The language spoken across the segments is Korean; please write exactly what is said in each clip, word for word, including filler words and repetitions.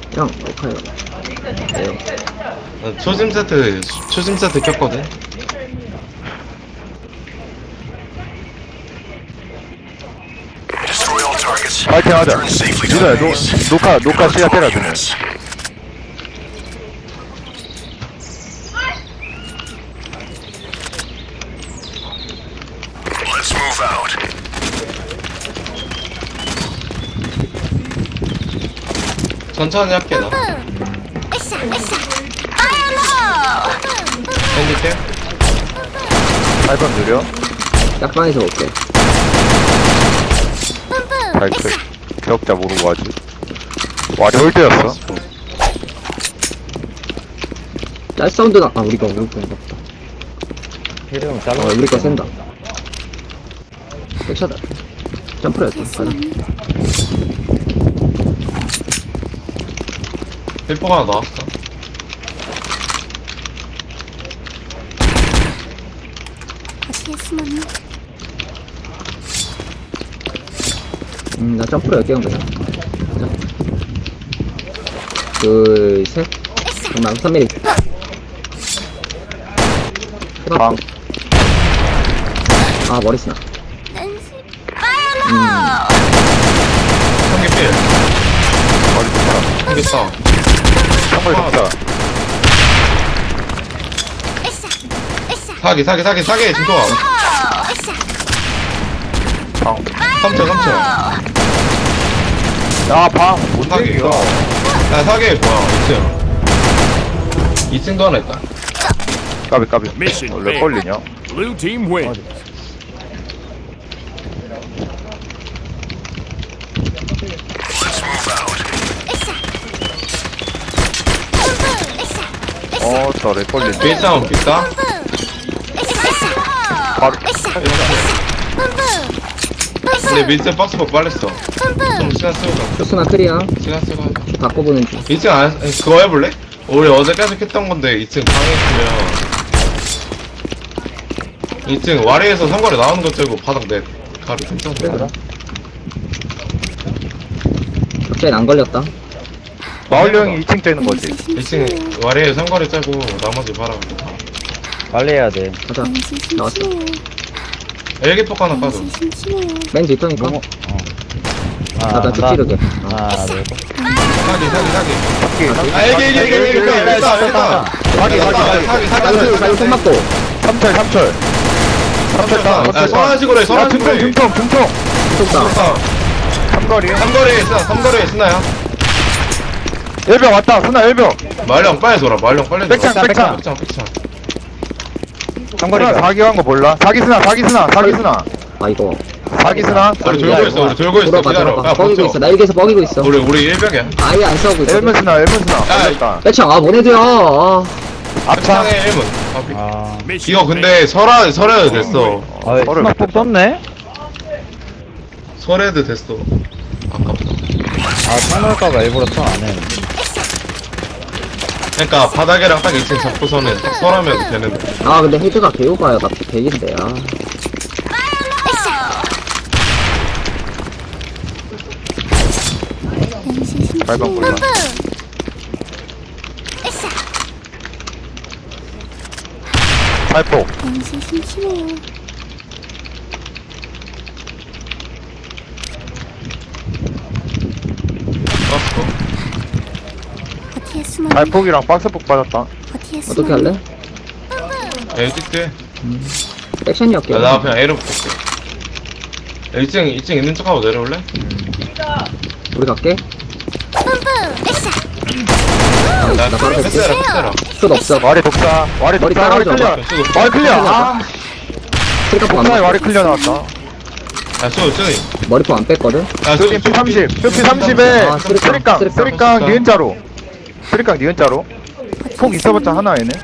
형, 어카요. 네요. 나 초심 세트, 초심 세트 켰거든? 파이팅 하자. 민호야, 노, 녹화, 녹화 시작해라, 민호. Let's move out. 천천히 할게, 나. 으쌰 으쌰 파이어 땡길게. 팔 번 느려. 짝방에서 볼게. 발끝. 기억자 모르고 하지. 와리 홀드였어. 짤 사운드가, 아, 우리가, 우리 건가 보다. 혜령 어, 잘라. 우리 거 센다. 백차다. 점프를 했다. 가자. 힐포가 하나 나왔어. 어디에 숨었니? 음, 나 점프를 열개 한 거야. 가자. 둘, 셋. 잠깐만, 삼 밀리. 방. 아, 머리 쓰나. 한개 필. 머리 좋다. 한개 싸. 정말 좋다. 사기, 사기, 사기, 사기, 진도아. 방. 삼천, 삼천. 야, 방. 뭔 사기, 얘기야. 야, 사기, 뭐야, 이 층. 이 층도 하나 있다. 까비, 까비. Mission 원래 failed. 걸리냐? Blue team wins. Let's move out. 어, 저래 걸리네. 베이스하면 비싸? 바로. 근데 민세 박스복 빨랬어. 좀 시간 쓰고 가. 쇼스나 크리야. 시간 쓰고 하자. 바꿔보는 중. 이 층 안, 그거 해볼래? 우리 어제까지 했던 건데 이 층 방에 있으면 이 층 와리에서 상거리 나오는 거 째고 바닥 내 가리 괜찮아. 갑자기 안 걸렸다. 마을 형이 이 층 째는 거지. 이 층 와리에 상거리 째고 나머지 바람. 빨리 해야 돼. 가자. 나왔어. 일기폭 하나 까줘. 맨 뒤터니까. 너무. 어. 아, 나, 나 찌르게. 어. 하나, 둘. 사기 사기 사기. 사기. 아 일기 일기 일기 일기 일기 일단 사기, 사기, 사기. 사기 사기 나이스, 나이스, 손 맞고. 삼철, 삼철. 삼철 따. 아 선한식으로 해 야, 선한식으로 중통, 해. 중통, 중통. 쳤다. 삼거리. 삼거리에 있어 삼거리에 있나요? 일병 왔다. 순나 일병. 말령 빨리 돌아 말령 빨리 돌아. 백창, 백창. 백창 백창. 삼거리. 사기 한 거 몰라? 사기 스나, 사기 스나, 사기 스나. 아, 이거. 사기 스나. 우리 돌고 있어 우리 돌고 있어 돌아가, 기다려. 돌아가. 야 뻐기고 버텨. 있어. 나 일기에서 뻐기고 있어. 우리 우리 일벽이야. 아예 안 싸우고 있어. 일문 스나, 일문 스나. 야, 걸렸다. 빼창, 아, 뭐네들야. 아, 앞창. 창의 일문. 아. 이거 근데 설화 설해도 됐어. 아, 서를 스마폭 떴네? 설해도 됐어. 아깝다. 아, 창놀까봐 일부러 턴 안 해. 그러니까 바닥이랑 딱 이 층 잡고서는 딱 설하면 되는데. 아, 근데 헤드가 개오가요. 나 백인데, 아. 발방 몰라. 팔폭. 당신 심심해요. 떴어. 어디에 숨었니? 발폭이랑 박스폭 빠졌다. 어디에 어떻게 숨었니? 할래? 에이 찍대. 백션이었게. 야, 나 그냥 A로 붙을게. 야, 이 층, 이 층 있는 척하고 내려올래? 우리 갈게. 나, 나 바로 갈게. 패스해라, 패스해라. 슛 없어. 와리 독사. 와리 머리 독사. 와리 따라오자. 클리어. 와리 클리어. 아, 스리카포 안 독사에 와리 뺐어. 클리어 나왔다. 야, 쏘, 쏘. 머리포 안 뺐거든? 야, 쏘, 피 삼십. 피 삼십에 아, 쓰리깡, 쓰리깡. 쓰리깡. 쓰리깡 니은자로. 쓰리깡 니은자로. 폭 있어봤자 하나 얘네.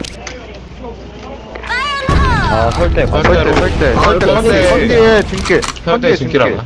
아, 설대. 설대. 설대, 설대. 아, 설대, 이렇게 설대. 설대. 선디에 중계. 현대 선디에 진기라나?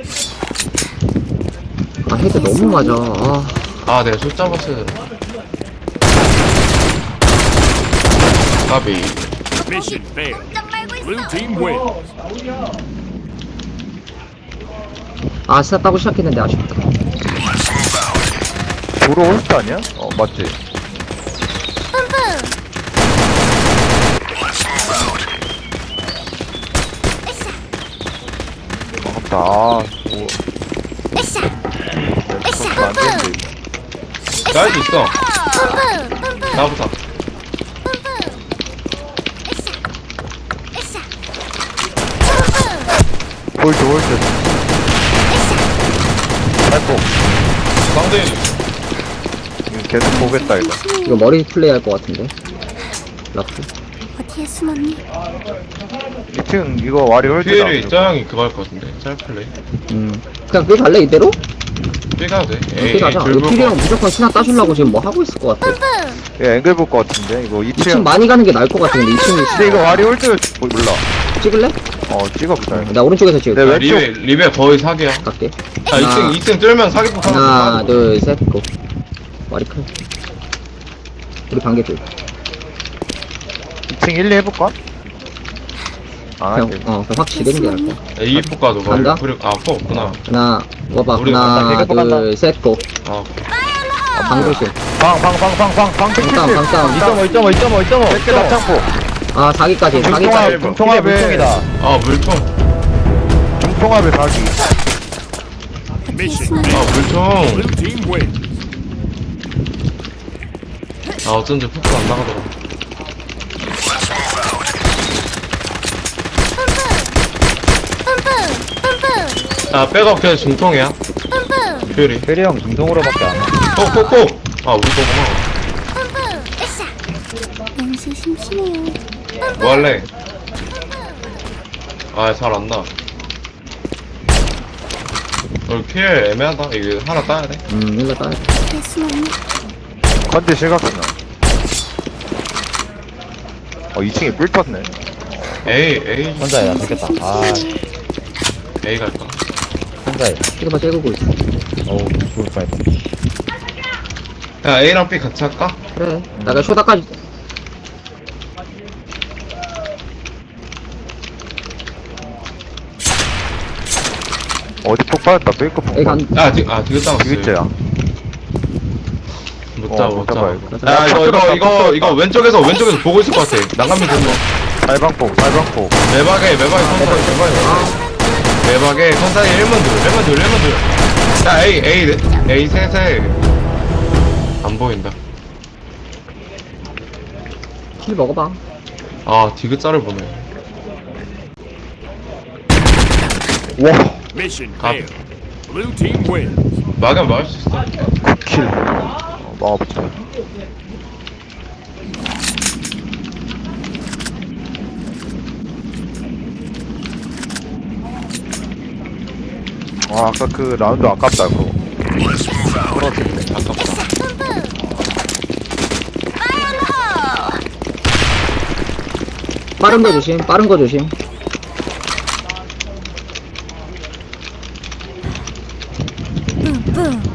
아, 헤드 너무 맞아. 아, 아, 내가 숫자 봤어야 돼. 까비. Mission failed. Blue team wins. 아, 스타 따고 시작했는데 아쉽다. Let's move out. 도로 홀스트 아니야? 어 맞지? 뿜뿜. 아깝다. 아, 오. 으쌰. 으쌰. 그럼 안 되는데, 뿜뿜. 이거. 날 수 있어. 뿜뿜. 뿜뿜. 나부터. 뿜뿜. 으쌰. 으쌰. 뿜뿜. 홀드, 홀드. 살포. 쌍둥이. 이거 계속 보겠다, 이거. 이거 머리 플레이 할 것 같은데. 라프. 어디에 숨었니? 이 층 이거 와리 홀드다. 퓨일이 짜양이 그거 할 것 같은데. 짤 플레이. 음. 그냥 삐 갈래, 이대로? 삐 가도 돼. 삐 가자. 이거 피리형 무조건 신화 따주려고 지금 뭐 하고 있을 것 같아. 뿜뿜. 얘 앵글 볼 것 같은데 이거 이 이 층 층. 많이 가는 게 나을 것 같은데, 이 층이. 근데 이거 와리 홀드 뭐, 몰라. 찍을래? 어 찍어보자. 이거. 나 오른쪽에서 찍을게. 네, 아, 왼쪽. 리베, 리베 거의 사기야. 갈게. 아, 이 층, 이 층 뚫면 사기폭 하나. 하나, 둘, 셋, 고. 머리 큰. 우리 반개 줄. 이 층 일, 이 해볼까? 아, 그냥, 네. 어, 그냥 확 지르는 게 나을 거야. 이 폭 가도 간다? 그리고, 아, 폭 없구나. 하나, 와봐. 우리 하나, 간다, 개그 간다. 둘, 셋, 고. 아, 아, 방글실. 방, 방, 방, 방, 방, 방, 방다운, 방다운. 이 점 오, 이 점 오, 이 점 오, 이 점 오. 몇 개 낙창포. 아, 사기까지, 중통합, 사기까지. 중통합에, 물통이다. 아, 물총. 중통합에 사기. Mission 아, failed. 물총. Blue team wins. 아, 어쩐지 폭도 안 나가더라. 뿜뿜. 아, 백업 그냥 중통이야. 뿜뿜. 퓨일이. 페리 형 중동으로밖에 안 해. 폭, 폭, 폭. 아, 우리 거구나. 뿜뿜. 으쌰. 냄새 심심해요. 뭐 할래? 아, 잘 안 나. 우리 퓨일 애매하다. 이거 하나 따야 돼. 음, 일로 따야 돼. 어디에 숨었니? 컨디 실각이나. 어, 이 층에 뿔 떴네. A, A, 혼자야, 나 좋겠다. 아, A 갈까? 혼자야. 찍어봐, 찍고 있어. 어우, 죽을 뻔했다. 야, A랑 B 같이 할까? 그래. 나가 쇼다까지. 어디 폭 받았다, 페이크 폭. 여기 간, 아, 디, 아, 디귿 당했어. 디귿자야. 못 잡아, 어, 못 못 잡아. 잡아, 이거. 야, 이거, 이거, 이거, 이거 왼쪽에서, 왼쪽에서 보고 있을 것 같아. 난감이 됐어. 달방폭, 달방폭. 매박에, 매박에 컨사이, 매박에 컨사이 일 문 둘, 일 문 둘, 일 문 둘. 야, A, A, A 셋에. 안 보인다. 킬 먹어봐. 아, 디귿자를 보네. 와, Mission 아. failed. Blue team wins. 막으면 막을 수 있어. 킬. 어, 막아보자. 와, 아까 그 라운드 아깝다, 그거. 아깝다. 빠른 거 조심, 빠른 거 조심. 뿜뿜.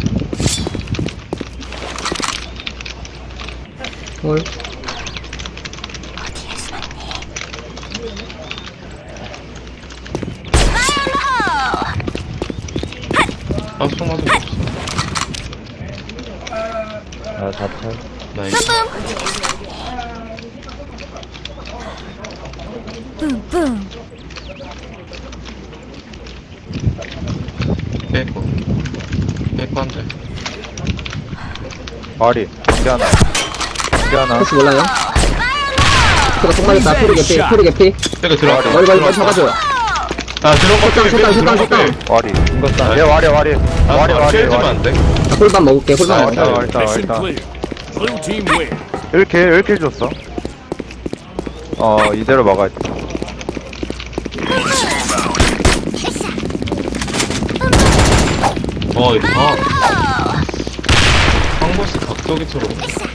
홀. 어디에 숨었니? 아, 총 맞은 거 없어. 아, 자탈. 나이스. 뿜뿜. 빼고. 빼고 한 대. 마리, 반대 하나. 반대 하나. 혹시 몰라요? 그래, 속 맞았다. 표리 개피, 표리 개피. 빼고 들어가. 머리, 머리, 머리 잡아줘. 아, 들어온 거 슛다운, 빼고, 슛다운, 들어온 거 슛다운, 빼고. 와리. 이거 얘 와리, 와리. 아, 와리, 와리, 쉐일 주면 와리. 안 돼? 나 홀반 먹을게, 홀반 아, 먹을게. 일단, 일단, Mission 일단. clear. Blue team wins. 일 킬, 일 킬 줬어. 어, 이대로 막아야 돼. 어, 이거 봐. 황보스 각도기처럼.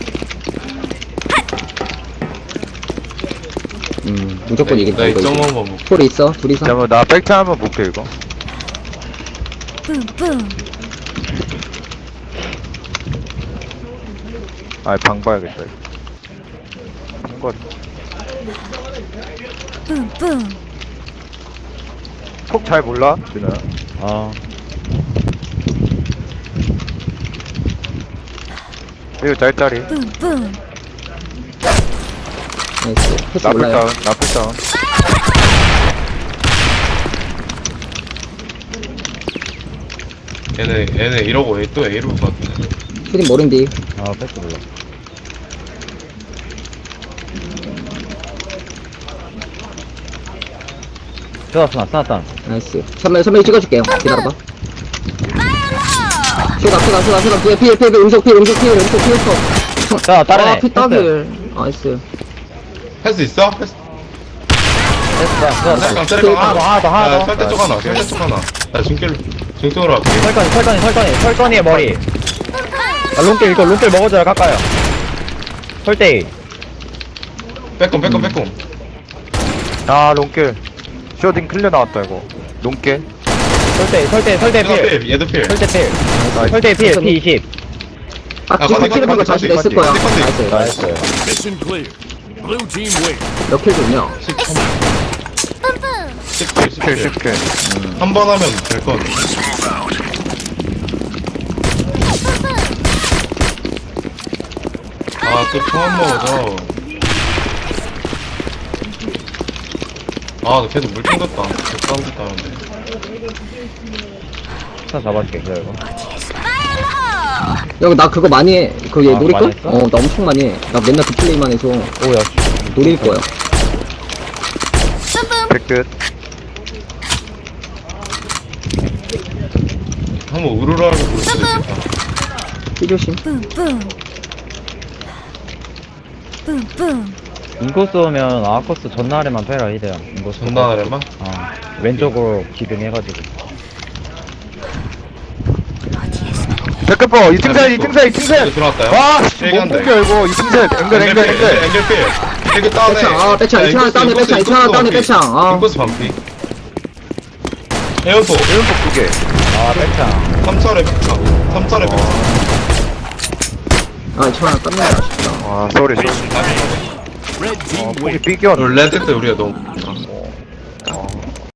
음, 무조건 나 이긴다, 이거. 이점 이거. 한번 먹 홀 있어, 둘이서. 잠깐만, 나 백차 한번 볼게, 이거. 뿜뿜. 아, 방 봐야겠다, 이거. 한거 뿜뿜. 폭잘 몰라? 준호야. 아, 이거 짤짤이. 뿜뿜. 나이스. 패스 나풀 올라요. 다운, 나풀 다운. 얘네 얘네 이러고 A 또 A로 것 같은데. 슈딩 모른디. 아, 패스 몰라. 스나, 스나, 스나, 스나. 나이스. 선배, 선배 찍어줄게요. 기다려봐. 쇼다, 쇼다, 쇼다, 쇼다. 피해, 피해, 피해, 음속 피해, 음속 피해, 음속 피해, 쳐. 자, 다른 아, 애. 피 따길. 나이스. 패스 있어? 패스. 패스다, 스나. 짤강 짤강 하나 더, 하나 더, 하나 야, 더. 설대 쪽 하나 설대 쪽 하나. 나 중길 중통으로 할게. 설건이, 설건이, 설건이, 설건이의 머리. 아, 롱길, 이거 롱길 먹어줘야 깎아요. 설대이. 빼꼼 빼꼼 빼꼼. 아, 롱길. 쇼딩 클리어 나왔다, 이거. 롱길. 설대, 설대, 설대 얘도 필. 필 얘도 필. 설대 필. 나이스. 설대 필, 피 이십. 아, 아, 지금 컨디, 피는 거 컨디, 자신 컨디, 있을 거야. 컨디, 컨디. 나이스. 나이스. Mission clear. Blue team wins. 몇킬 좋냐? 십칠 킬, 십칠. 십 킬. 한 번 하면 될 것 같아. 아, 또 처음 먹어서. 아, 나 계속 물 튕겼다. 계속 싸움 됐다는데. 스나 잡아줄게, 기다려. 야, 나 그거 많이 해. 그거 얘 아, 노릴 걸? 많이 했어? 어, 나 엄청 많이 해. 나 맨날 그 플레이만 해서 오, 야, 노릴 거야. 백끝. 한번 우르르 하고 볼 수도 있겠다. 삐조심. 뿜뿜. 뿜뿜. 인코스 오면 아코스 전날에만 패라, 이래야. 인코스. 전단하려면? 어, 왼쪽으로 기등해가지고. 백끝 버, 이층 셋, 이층 셋, 이층 셋. 들어왔다요? 와, 씨, 못 얘기한다, 끊겨, 이거. 이층 셋. 앵글, 앵글, 앵글. 앵글 필. 되게 다운해. 빼창, 아, 빼창, 이층 하나 다운해, 빼창, 이층 하나 다운해, 빼창, 아. 인코스 반피. 에어포. 일본복 두 개. 아, 백창. 삼 차례 백창. 삼 차례 백창. 아, 이층 하나 땄네. 아쉽다. 아, 쏘리, 쏘리. Red team 어, 폭이 wins. 삐겨. 레드 때 우리가 너무